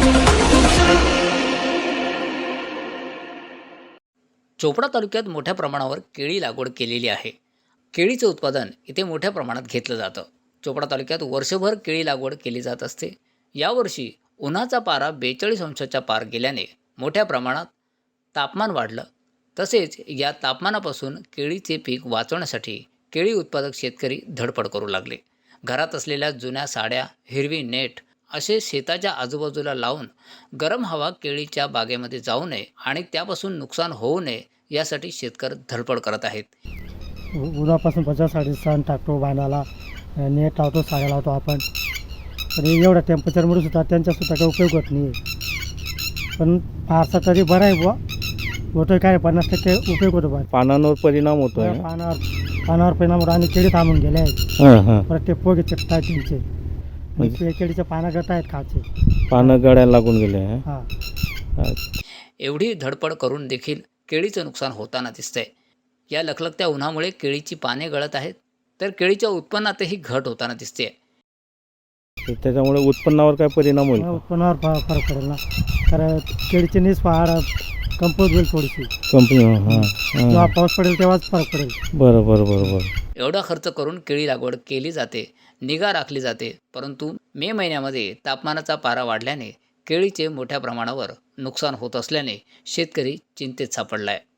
चोपडा तालुक्यात मोठ्या प्रमाणावर केळी लागवड केलेली आहे. केळीचं उत्पादन इथे मोठ्या प्रमाणात घेतलं जातं. चोपडा तालुक्यात वर्षभर केळी लागवड केली जात असते. यावर्षी उन्हाचा पारा 42 अंशाच्या पार गेल्याने मोठ्या प्रमाणात तापमान वाढलं. तसेच या तापमानापासून केळीचे पीक वाचवण्यासाठी केळी उत्पादक शेतकरी धडपड करू लागले. घरात असलेल्या जुन्या साड्या, हिरवी नेट असे शेताच्या आजूबाजूला लावून गरम हवा केळीच्या बागेमध्ये जाऊ नये आणि त्यापासून नुकसान होऊ नये यासाठी शेतकरी धडपड करत आहेत. उन्हापासून बचावासाठी सण टाकतो बांधाला, नेट लावतो, साड्या लावतो आपण. पण एवढ्या टेम्परेचरमुळे सुद्धा त्यांचासुद्धा काही उपयोग होत नाही आहे. पण फारसा तरी बरं आहे बुवा, होतोय काय 50% उपयोग होतो बा. पानांवर परिणाम होतोय. पानावर परिणाम होतो आणि केळी थांबून गेले आहेत. परत ते पोगे चिकट आहेत त्यांचे, म्हणजे केळीचे पानं गट आहेत खाचे, पानं गळायला लागून गेले. हां. एवढी धडपड करून देखील केळीचं नुकसान होताना दिसतंय. या लखलखत्या उन्हामुळे केळीची पाने गळत आहेत, तर केळीच्या उत्पन्नातही घट होताना दिसते. त्याच्यामुळे उत्पन्नावर काय परिणाम होईल? उत्पन्नावर फरक पडेल ना, कारण केळीची नीस पहाड कंपोज होईल थोडीशी. जेव्हा पाऊस पडेल तेव्हाच फरक पडेल. बरोबर. एवढा खर्च करून केळी लागवड केली जाते, निगा राखली जाते, परंतु मे महिन्यामध्ये तापमानाचा पारा वाढल्याने केळीचे मोठ्या प्रमाणावर नुकसान होत असल्याने शेतकरी चिंतेत सापडला आहे.